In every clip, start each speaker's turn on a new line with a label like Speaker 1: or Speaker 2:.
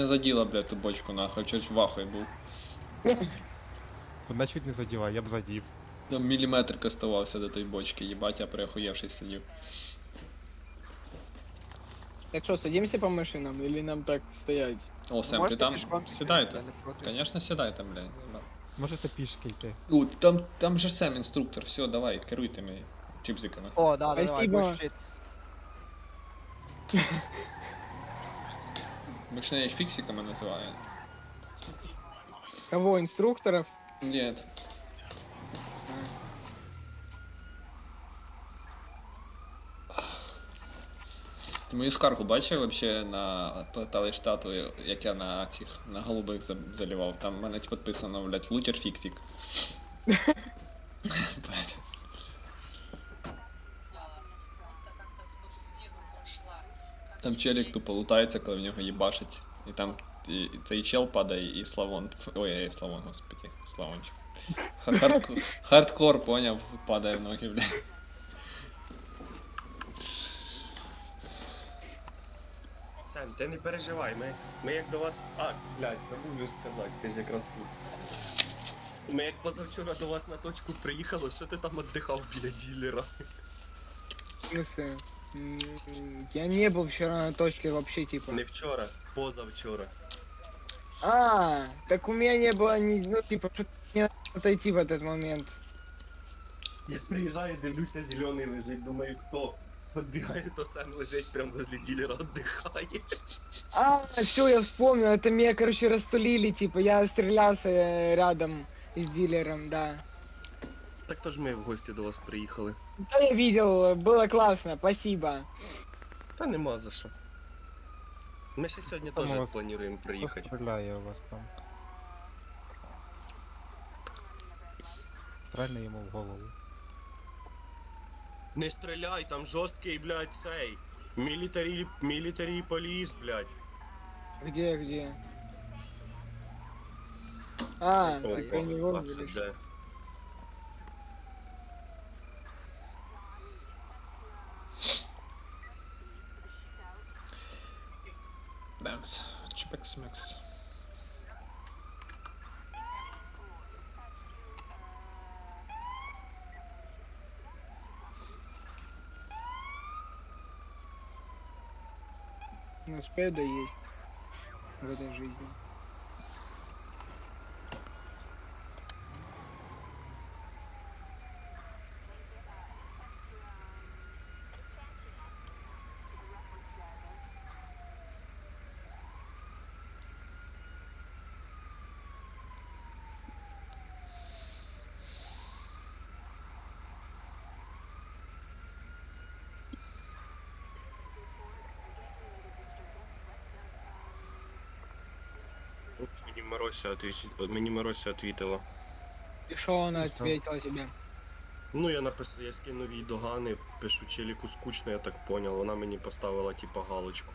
Speaker 1: Не заділа, блядь, ту бочку, нахуй, чуть в ахуї був.
Speaker 2: Вона чуть не заділа, я б задів.
Speaker 1: Там міліметр оставався до тої бочки, їбать, я приохуєвший сидів.
Speaker 3: Так что, садимся по машинам или нам так стоять?
Speaker 1: О, Сем, ти
Speaker 4: Можете
Speaker 1: там?
Speaker 4: пішком піти,
Speaker 1: Сідайте.
Speaker 4: я не проти.
Speaker 1: Конечно, сідайте, блядь.
Speaker 2: Можете пішки йти.
Speaker 1: О, там же Сем, інструктор, все, давай, керуйте ми чіпзиками.
Speaker 4: О, да, давай,
Speaker 3: Спасибо.
Speaker 4: бушіц.
Speaker 1: Більше їх фіксиками називаю.
Speaker 3: Кого, инструкторов?
Speaker 1: Нет. Ти мою скаргу бачив вообще на порталі штату, як я на цих, на голубих заливав? Там в мене підписано, блядь, лутер фіксик. Блядь. Там челік тупо лутається, коли в нього їбашить. І там і цей чел падає, і Славон. Ой, Славон, господи, Славончик. Хардкор, поняв, падає в ноги, блядь.
Speaker 5: Сем, ти не переживай, ми як до вас. А, блядь, забув сказати, ти ж якраз тут. Ми як позавчора до вас на точку приїхали, що ти там віддихав біля ділера?
Speaker 3: В смысле? Я не был вчера на точке вообще, типа.
Speaker 5: Не вчора, позавчора.
Speaker 3: А, так у меня не было ни, ну, типа, что не отойти в этот момент.
Speaker 5: Я приїжджаю, дивлюся, зелений лежить, думаю, хто? Подбігаю, то Сем лежить прямо возле ділера, віддихає.
Speaker 3: А, все, я вспомнил, это меня, короче, растулили, типа, я стрелялся рядом с дилером, да.
Speaker 5: Так то ж ми в гості до вас приїхали.
Speaker 3: Да, я видел, было классно, спасибо.
Speaker 5: Та нема за що. Ми ще сьогодні теж
Speaker 2: Тому
Speaker 5: плануємо
Speaker 2: Хто
Speaker 5: приїхати.
Speaker 2: стріляє у вас там? Правильно йому в голову.
Speaker 5: Не стріляй, там жорсткий, блядь, цей. Мілітарі поліс, блядь.
Speaker 3: Где? А,
Speaker 5: О,
Speaker 3: так я не
Speaker 5: о,
Speaker 3: вон,
Speaker 5: це
Speaker 3: видишь.
Speaker 5: де?
Speaker 1: Бэмс. Чпекс-мекс.
Speaker 3: Не успею доесть в этой жизни.
Speaker 5: Мені Марося отвітила.
Speaker 3: И что она
Speaker 2: Ну что?
Speaker 3: ответила тебе?
Speaker 5: Ну, я скинув їй догани, пишу челіку скучно, я так понял. Вона мені поставила типа галочку.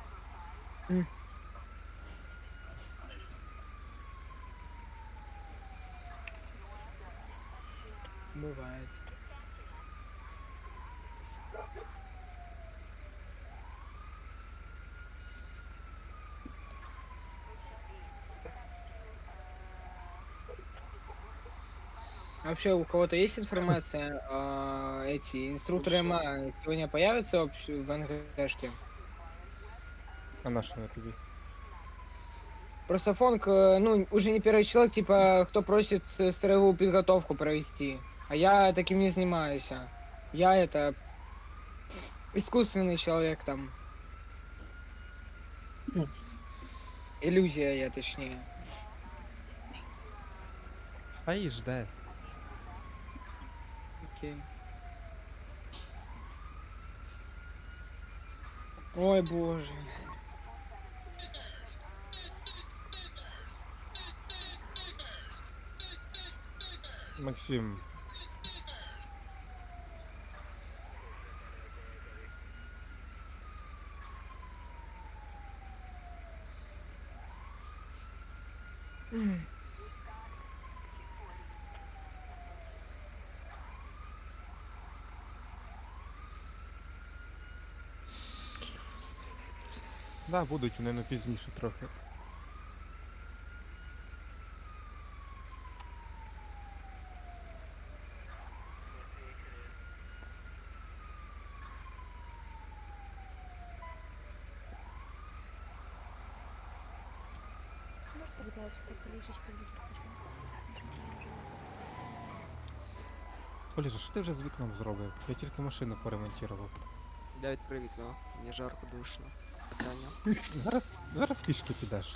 Speaker 3: Бывает. Вообще, у кого-то есть информация, эти инструкторы МА сегодня появятся вообще в НГшке?
Speaker 2: А на що я тобі?
Speaker 3: Просто Фонк, ну, уже не первый человек, типа, кто просит строевую подготовку провести. А я таким не занимаюсь. Я это искусственный человек там. Иллюзия я, точнее.
Speaker 2: А і жде.
Speaker 3: Окей. Ой, боже.
Speaker 2: Максим. Да, будуть вони, ну пізніше трохи.
Speaker 4: можете, будь ласка, трішечки відійти?
Speaker 2: Олежа, що ти вже з вікном зробив? Я тільки машину поремонтував.
Speaker 6: Я відкрив вікно, мені жарко душно. Питання.
Speaker 2: Зараз пішки підеш.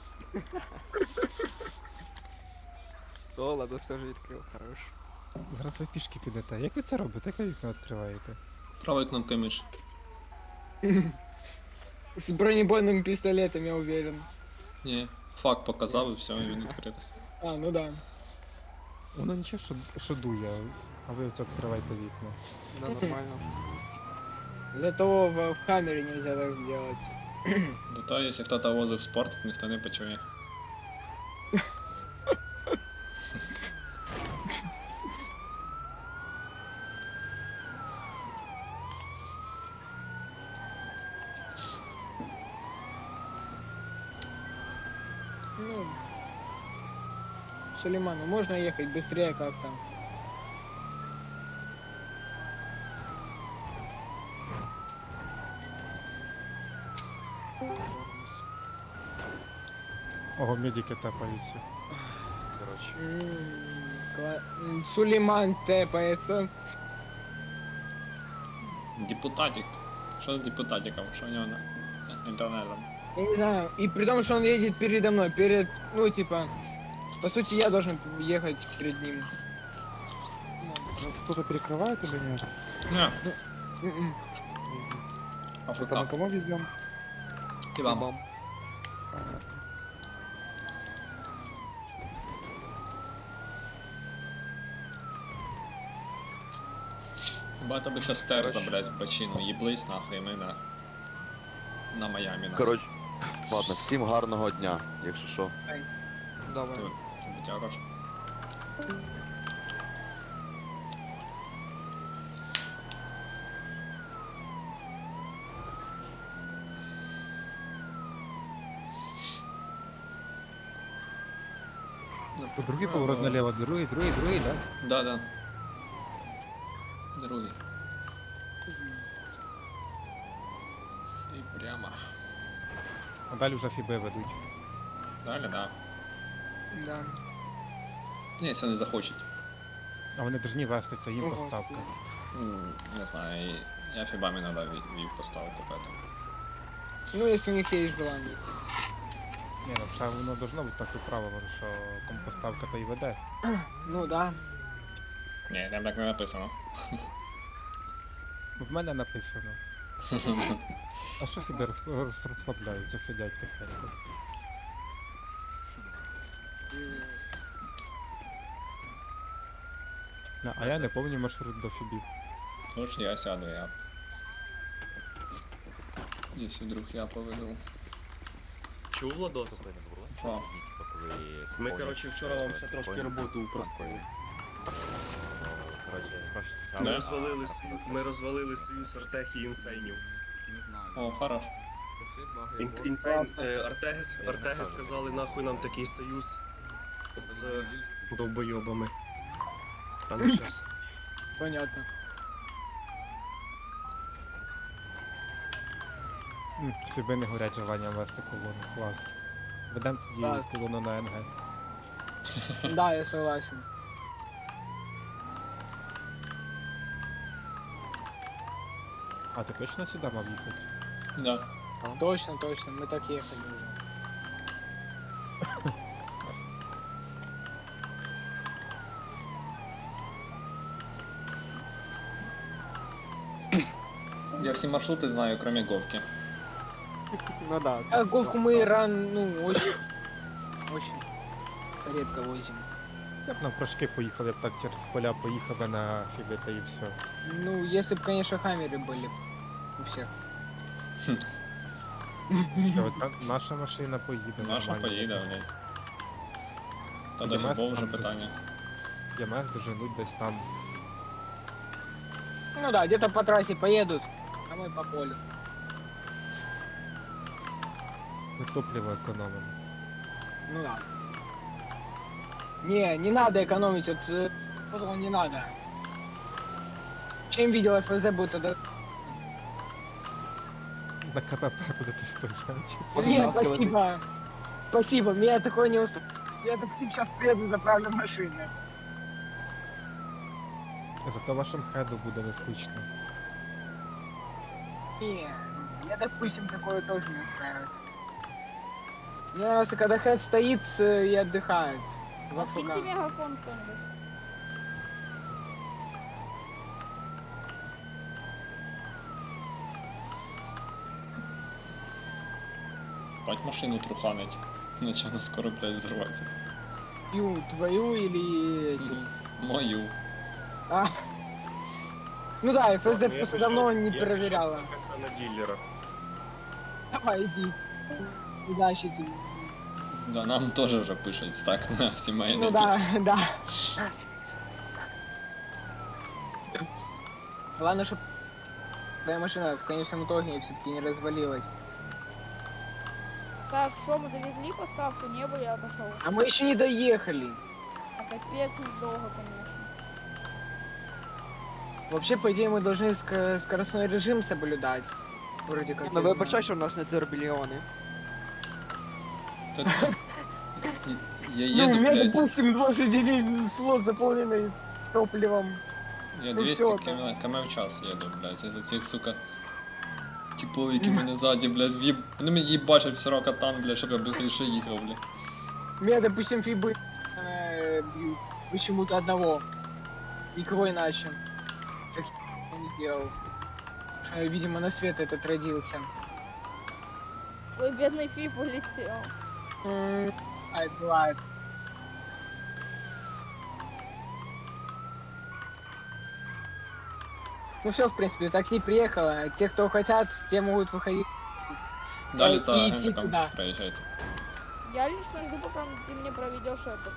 Speaker 6: О, Ладос теж відкрив, хорош.
Speaker 2: Зараз ви пішки підете. Як ви це робите? Як ви вікно відкриваєте?
Speaker 1: Правою кнопкою миші.
Speaker 3: С бронебойным пистолетом, я уверен.
Speaker 1: Ні. Факт показав і все, і він відкритий.
Speaker 3: А, ну да.
Speaker 2: Воно нічого, що дує, а ви оце відкриваєте вікна.
Speaker 6: Да, нормально.
Speaker 3: Для того в камере нельзя так сделать.
Speaker 1: Зато якщо хтось возив спорт, ніхто не почує.
Speaker 3: Ну, Сулейману, можно ехать быстрее как-то?
Speaker 2: Ого, медики тапаються.
Speaker 3: Сулейман тэпается.
Speaker 1: Депутатик. Що з депутатиком? Що в нього на інтернетом?
Speaker 3: Я не знаю. И при том, что он едет передо мной, ну, типа, по сути, я должен ехать перед ним.
Speaker 2: Хто-то перекриває тебе, ні?
Speaker 1: Не,
Speaker 3: М-м.
Speaker 1: АФК.
Speaker 2: кому везем?
Speaker 1: І вам. Багато би ще стер забрать в бочину, їблись нахуй, і ми на Майамі. нахуй.
Speaker 7: Коротше, ладно, всім гарного дня, якщо що.
Speaker 6: Давай.
Speaker 1: Ти будь хорош.
Speaker 2: Другий поворот наліво, другий, да?
Speaker 1: Да. Другий. І прямо.
Speaker 2: А далі вже фіби ведуть.
Speaker 1: Далі, да.
Speaker 3: Да.
Speaker 1: Ні, якщо не захочуть.
Speaker 2: А вони повинні вести, це їм
Speaker 3: Ого.
Speaker 2: поставка.
Speaker 1: Не знаю, я фібами іноді вів поставку, поэтому.
Speaker 3: Ну, если у них есть желание.
Speaker 2: Ні, ну ще воно должно бути таке правило, що кому поставка то і веде.
Speaker 3: Ну да.
Speaker 1: Ні, там так не написано.
Speaker 2: В мене написано. А що фіби розслабляються, сидять тихенько? А я не пам'ятаю маршрут до фібів.
Speaker 1: Тож я сяду, я. Якщо вдруг я поведу.
Speaker 5: Чув, Ладос?
Speaker 1: Що?
Speaker 5: Ми, коротше, вчора вам ще трошки роботу упростили.
Speaker 1: Да.
Speaker 5: Ми розвалили союз Артех і інсейнів.
Speaker 1: О, хорош.
Speaker 5: Інсейн, Артеги сказали, нахуй нам такий союз з довбойобами. Та не щас.
Speaker 3: Понятно.
Speaker 2: Фіби не горять желанням вести колону. Клас. Ведемо тоді
Speaker 3: Так.
Speaker 2: колону на НГ.
Speaker 3: Да, я согласен.
Speaker 2: А ти точно сюди мав їхати?
Speaker 1: Да.
Speaker 3: Точно, мы так ехали уже.
Speaker 1: Я всі маршрути знаю, кроме Говки.
Speaker 6: Ну да.
Speaker 3: А Говку мы очень редко возим.
Speaker 2: Я б на прошки поїхав, я б так через поля поїхав би на фіби та і все.
Speaker 3: Ну, если бы, конечно, хаммеры были у всех.
Speaker 2: Та от наша машина поїде.
Speaker 1: Наша
Speaker 2: нормально.
Speaker 1: поїде, блядь. Та до
Speaker 2: Ємес
Speaker 1: футбол вже
Speaker 2: там
Speaker 1: питання.
Speaker 2: ЄМС доженуть десь там.
Speaker 3: Ну да, где-то по трассе поедут, а мы по полю.
Speaker 2: Ми топливо економимо.
Speaker 3: Ну да. Не надо экономить, вот не надо. Чем видел ФСД, будет тогда...
Speaker 2: На КПП будете стояти.
Speaker 3: Нет, спасибо. Спасибо, меня такое не устраивает. Я так сейчас приеду, заправлю машину.
Speaker 2: Зато вашим хеду буде безпечно.
Speaker 3: Не, я, допустим, такое тоже не устраивает. Мне нравится, когда хед стоит и отдыхает. В
Speaker 4: Откиньте
Speaker 3: АФК.
Speaker 4: мегафон кто-нибудь.
Speaker 1: Бать машину труханить. Наче вона скоро, блядь, взорваться.
Speaker 3: Твою или эти?
Speaker 1: Мою.
Speaker 3: А. Ну да, ФСД
Speaker 5: Ладно, я
Speaker 3: просто
Speaker 5: пішов-
Speaker 3: давно не
Speaker 5: я пішов
Speaker 3: проверяла.
Speaker 5: стакатися на дилера.
Speaker 3: Давай, иди. Удачи тебе.
Speaker 1: Да, нам теж вже пишуть стак на сімейний.
Speaker 3: Ну да, да. Главное, чтобы твоя машина в конечном итоге все-таки не развалилась.
Speaker 4: Так, что мы довезли поставку, небо я отошел.
Speaker 3: А мы еще не доехали.
Speaker 4: А капец недолго, конечно.
Speaker 3: Вообще, по идее, мы должны скоростной режим соблюдать. Вроде как.
Speaker 6: Ну
Speaker 3: я
Speaker 6: вибачай,
Speaker 3: знаю.
Speaker 6: що в нас не турбільйони.
Speaker 1: Та- Я
Speaker 3: Ну, у
Speaker 1: їду,
Speaker 3: меня,
Speaker 1: блядь.
Speaker 3: допустим, 21 слот заполненный топливом.
Speaker 1: Я
Speaker 3: Ну
Speaker 1: 200
Speaker 3: всё,
Speaker 1: км в час їду, блядь, із-за цих, сука, типов, які мене ззаді, блядь, в'їб... Вони мені їбачать в 40 катан, блядь, щоб я быстріше їхав, блядь.
Speaker 3: Меня, допустим, фибы бьют. Почему-то одного. Никого иначе. Так я не сделал. Что, видимо, на свет этот родился.
Speaker 4: Ой, бедный Фиф улетел.
Speaker 3: Ай, бывает. Ну все, в принципе, такси приехало. Те, кто хотят, те могут выходить.
Speaker 1: Далі
Speaker 3: і
Speaker 1: за
Speaker 3: йти
Speaker 1: генриком
Speaker 3: туди.
Speaker 1: проїжджайте.
Speaker 4: Я лично жду, пока ты мне проведешь это.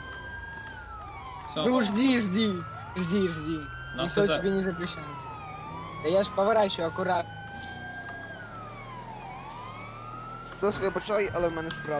Speaker 1: Все,
Speaker 3: Ну жди. Жди.
Speaker 1: на
Speaker 3: Никто
Speaker 1: ФЗ.
Speaker 3: тебе не запрещает. Да я ж поворачиваю аккуратно.
Speaker 6: Дос вибачай, але в мене справа.